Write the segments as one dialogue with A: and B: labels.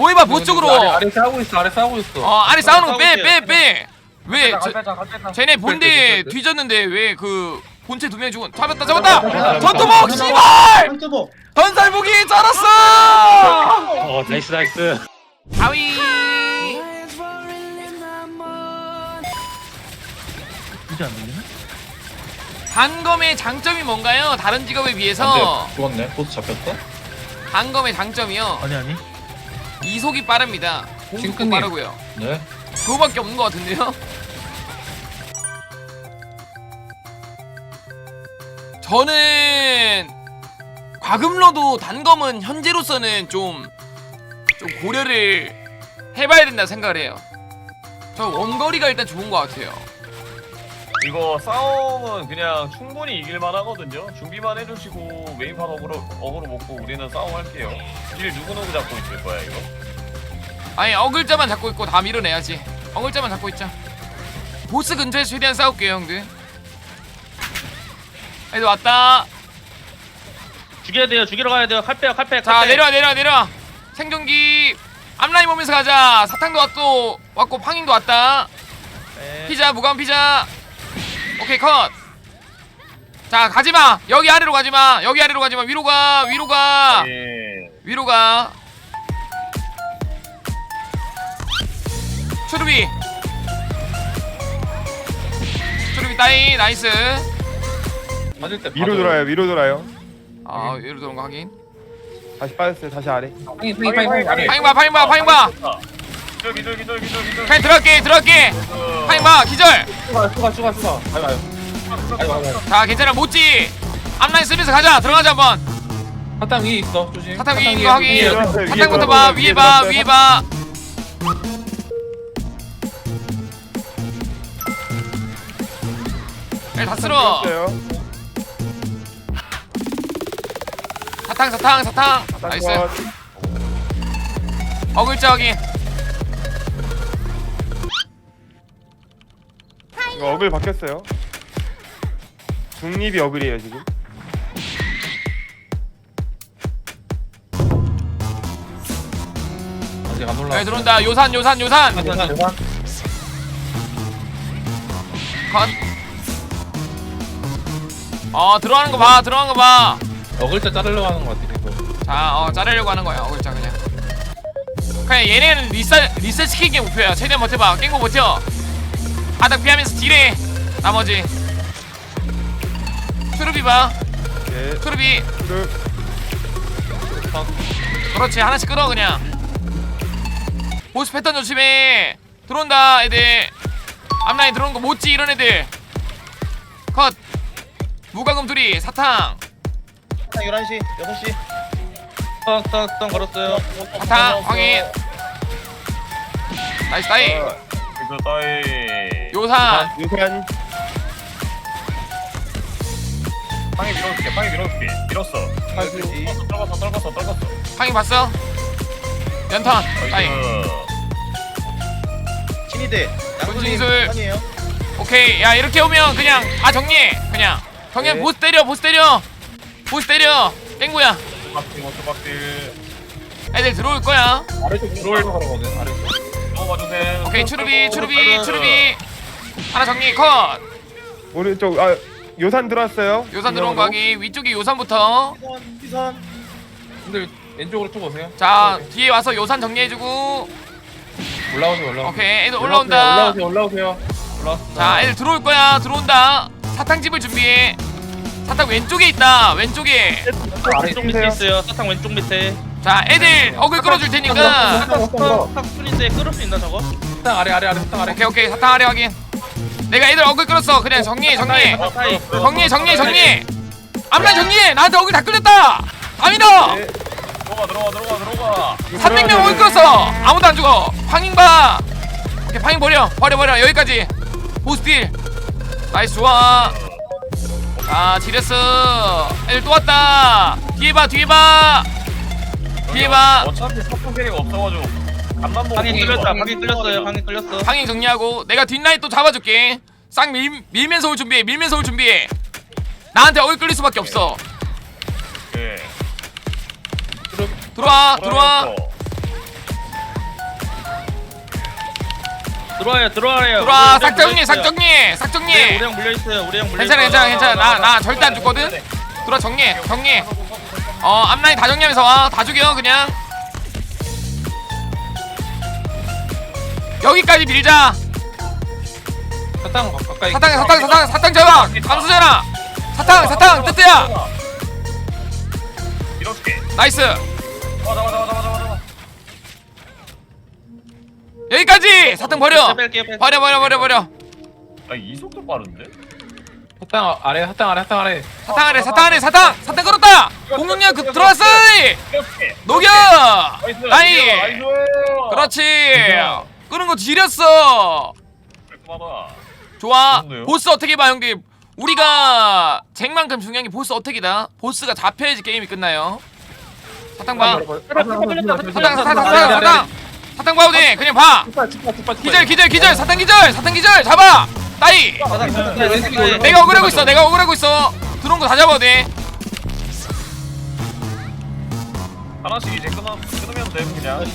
A: 모여봐 보스 쪽으로.
B: 아래 싸우고 있어. 아래 싸우고 있어.
A: 아래 싸우는 거
C: 싸우고
A: 빼. 왜 쟤네 본대
B: 빼.
A: 뒤졌는데 왜 그 본체 2명 죽은. 잡았다. 전투복 씨발.
D: 전투복.
A: 전살복이 쩔었어.
C: 나이스.
A: 하위.
C: 이제 안 들리나?
A: 단검의 장점이 뭔가요? 다른 직업에 비해서.
B: 죽었네. 보스 잡혔어?
A: 단검의 장점이요.
C: 아니.
A: 이속이 빠릅니다. 공속도
B: 싱크님.
A: 빠르고요.
B: 네.
A: 그거밖에 없는 것 같은데요? 저는 과금러도 단검은 현재로서는 좀 고려를 해봐야 된다 생각을 해요. 저 원거리가 일단 좋은 것 같아요.
E: 이거 싸움은 그냥 충분히 이길만 하거든요. 준비만 해주시고 메인판 어그로 먹고 우리는 싸움할게요. 일 누구누구 잡고 있을 거야 이거?
A: 아니 어글자만 잡고 있고 다 밀어내야지. 어글자만 잡고 있자. 보스 근처에서 최대한 싸울게요 형들. 애들 왔다.
C: 죽여야 돼요. 죽이러 가야 돼요. 칼빼요.
A: 자 내려와. 생존기 앞라인 보면서 가자. 사탕도 왔고 팡잉도 왔다.
C: 네.
A: 피자 무감 피자. 오케이 컷. 자 가지마. 여기 아래로 가지마. 위로 가.
E: 예.
A: 위로 가. 추루비 따이 나이스.
B: 맞을 때
F: 위로 돌아요. 위로 돌아요.
A: 아 위로 도는 거 확인.
F: 다시 빠졌어요. 다시 아래.
B: 파잉 아래.
A: 파잉 봐.
E: 기절.
A: 그냥 들어갈게. 파잉 봐 기절.
B: 추가. 가요.
A: 자 괜찮아 못지. 앞라인 쓰면서 가자. 들어가자 한번.
B: 사탕 위에 있어. 조심.
A: 사탕 위에
B: 위에,
A: 있는 거 확인.
B: 위에.
A: 사탕부터 봐. 위에 봐. 다 쓸어. 사탕. 나이스. 어글자 확인.
F: 이거 어글 바뀌었어요. 중립이 어글이에요 지금.
B: 아직 안 올라.
A: 여기 들어온다. 요산. 컷. 들어가는 거 봐.
B: 어글자 자르려고 하는 것 같아. 이거.
A: 자, 자르려고 하는 거야. 어글자 그냥. 얘네는 리셋 시키는 게 목표야. 최대한 버텨봐. 깽고 버텨. 바닥 피하면서 딜해. 나머지. 추루비 봐.
F: 네.
A: 추루비.
F: 그
A: 그렇지. 하나씩 끌어 그냥. 보스 패턴 조심해. 들어온다 애들. 앞라인 들어오는 거 못지 이런 애들. 컷. 무과금 둘이 사탕.
D: 11시, 6시.
C: 땅 걸었어요.
A: 사탕 확인. 나이스 따이.
E: 이거 따이.
A: 요산.
F: 유산.
E: 방에 밀어줄게. 밀었어.
D: 12시.
E: 떨궜어.
A: 황이 봤어? 연턴 따이.
D: 신이대.
A: 군진술.
D: 아니에요.
A: 오케이. 야 이렇게 오면 그냥 다 정리해. 그냥
F: 네.
A: 보스 때려. 깽구야.
E: 조각들.
A: 애들 들어올 거야.
B: 아래쪽 들어올 거거든. 아래쪽.
E: 넘어가주세요.
A: 오케이 추루비. 하나 정리 컷.
F: 오른쪽 요산 들어왔어요.
A: 요산 들어온 거 하기. 위쪽이 요산부터.
D: 시선.
B: 근데 왼쪽으로 쭉 오세요.
A: 자 뒤에 와서 요산 정리해주고.
B: 올라오세요.
A: 오케이 애들 올라온다.
B: 올라오세요.
A: 자 애들 들어올 거야. 들어온다. 사탕집을 준비해. 사탕 왼쪽에 있다. 왼쪽에.
C: 왼쪽 밑에 있어요. 사탕 왼쪽 밑에.
A: 자 애들 어글 끌어줄 테니까.
C: 사탕 순인데 끌을 수 있나 저거?
B: 사탕 아래. 사탕 아래.
A: 오케이 사탕 아래 확인. 내가 애들 어글 끌었어. 그냥 정리해.
C: 사이.
A: 앞라인 정리해. 나한테 어글 다 끌렸다. 다 밀어.
E: 들어가.
A: 300명 어글 끌었어. 아무도 안 죽어. 팡잉 봐. 오케이 팡잉 버려. 여기까지. 보스 딜. 나이스 좋아. 아 지렸어. 애들 또 왔다. 뒤에 봐.
E: 어차피 사탕 캐리가 없어가지고 간만 보고.
C: 방이 끌렸어요.
A: 팡잉 정리하고 내가 뒷라인 또 잡아줄게. 싹 밀면서 올 준비해. 나한테 어글 끌릴 수밖에 없어.
E: 예.
A: 들어와.
C: 들어와요.
A: 들어와 싹정리 싹정리 싹정리.
C: 네, 우리 형 물려 있어요. 우리 형 물려.
A: 괜찮아 나 절대 안 죽거든. 들어와 정리 앞라인 다 정리하면서 와. 다 죽여 그냥. 여기까지 밀자.
B: 사탕 가까이.
A: 사탕 잡아. 감수잖아. 사탕 뜨뜨야.
E: 이렇게.
A: 나이스.
E: 맞아.
A: 여기까지. 사탕 버려.
C: 뺄게요.
A: 버려.
E: 아, 이 속도 빠른데?
B: 사탕 아래.
A: 사탕 안에 사탕 걸었다. 공격력 그 들어왔어.
E: 이렇게.
A: 녹여. 나이.
E: 나이스.
A: 그렇지. 끄는 거 지렸어.
E: 깔끔하다.
A: 좋아.
E: 좋은데요?
A: 보스 어떻게 봐 형님. 우리가 쟁만큼 중요한 게 보스 어택이다. 보스가 잡혀야지 게임이 끝나요. 사탕 봐. 사탕 봐도 돼. 그냥 봐. 기절. 사탕 기절. 잡아. 따이. 내가 억울하고 있어. 들어온 거 다 잡아도 돼.
E: 하나씩 이제 끊으면 돼 그냥.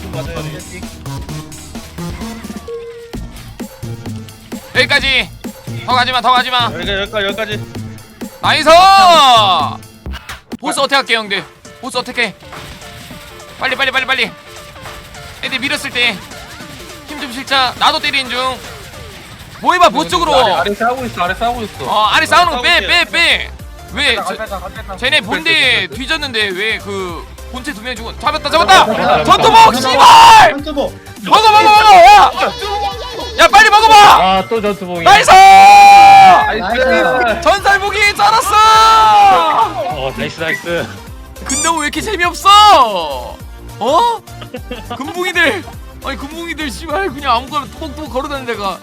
A: 여기까지. 더 가지마.
C: 여기까지.
A: 나이스. 보스 어택 할게 형들. 보스 어택해. 빨리. 애들 밀었을 때 힘 좀 실자. 나도 때리는 중. 뭐 해봐 보스 쪽으로.
B: 아래 싸우고 있어.
A: 아래 싸우는 거 빼. 왜
E: 쟤네
A: 쟤네 본대 뒤졌는데 왜 그 본체 2명 죽은. 잡았다. 전투복 씨발.
D: 한두보.
A: 먹어. 야 빨리 먹어봐.
F: 아또 전투봉이.
A: 나이스.
B: 나이스.
A: 전살복이 쩔었어.
F: 나이스.
A: 근데 왜 이렇게 재미없어? 금붕이들 씨발 그냥 아무거나 뚜벅뚜벅 걸어다니는 데가.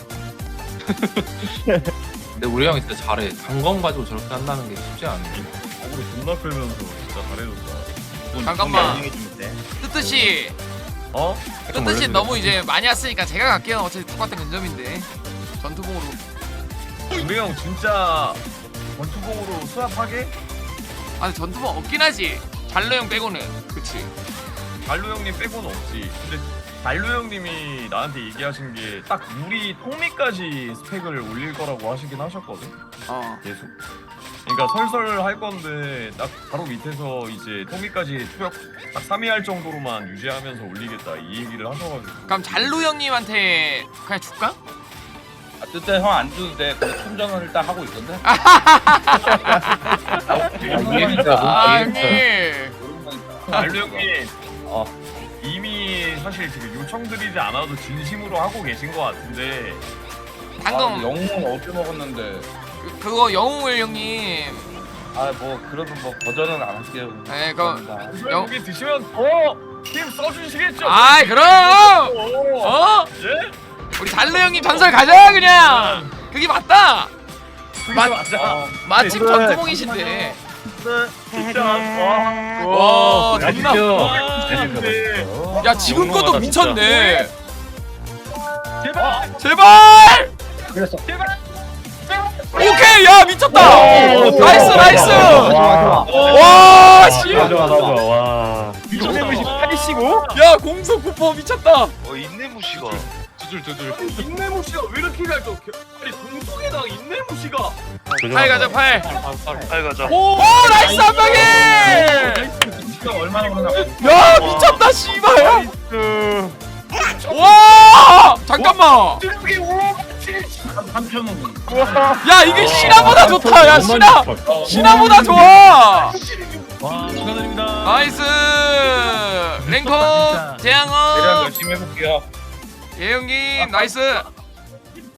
B: 근데 우리 형이 진짜 잘해. 단검 가지고 저렇게 한다는 게 쉽지 않네.
E: 우리 존나 끌면서 진짜 잘해줬다.
A: 잠깐만.
D: 이용해주면 돼.
A: 뜨뜻이
E: 어?
A: 너무 이제 많이 왔으니까 제가 갈게요. 어차피 똑같은 근점인데. 전투봉으로.
E: 우리 형 진짜 전투봉으로 수납하게?
A: 아니 전투봉 없긴 하지. 잘로 형 빼고는. 그치.
E: 달로 형님 빼고는 없지. 근데 달로 형님이 나한테 얘기하신 게 딱 우리 통미까지 스펙을 올릴 거라고 하시긴 하셨거든. 계속. 그러니까 설설 할 건데 딱 바로 밑에서 이제 통미까지 투력 딱 3위 할 정도로만 유지하면서 올리겠다 이 얘기를 하셔가지고.
A: 그럼 잘로 형님한테 그냥 줄까?
C: 그때 형 안 주도 돼. 그 충전을 일단 하고 있던데.
A: 아니.
E: 달로 형님 이미 사실 지금 요청드리지 않아도 진심으로 하고 계신 것 같은데.
A: 방금
C: 영웅은 어디 먹었는데.
A: 그거 영웅을 형님.
C: 뭐 그래도 뭐 버전은 안 할게요.
A: 네, 그거
E: 여기 드시면 더 힘 써주시겠죠?
A: 아이 그럼.
E: 예?
A: 우리 달로 형님 전설 가자 그냥. 그게 맞다.
E: 맞아.
A: 마침 전투봉이신데.
E: 진짜 와.
A: 와 존나.
E: 근데
A: 야 지금 것도 미쳤네.
E: 제발.
A: 제발.
D: 그랬어.
A: 오케이 야 미쳤다. 나이스. 와 씨.
F: 와.
E: 미쳤다.
F: 85?
A: 야 공속 쿠퍼 미쳤다.
C: 인내무시가.
E: 인내무 씨가 왜 이렇게 잘 줘? 아니 동성애당 인내무 씨가.
A: 팔 가자 팔.
C: 가자.
A: 오 나이스 한 방에.
E: 진짜 얼마나 그러나.
A: 야 미쳤다 씨발. 와 잠깐만.
E: 여기 3,000원.
A: 야 이게 신화보다 좋다. 야 신화보다 좋아.
E: 와 축하드립니다.
A: 나이스. 랭커 재앙어.
C: 열심히 해볼게요.
A: 예 형님 나이스.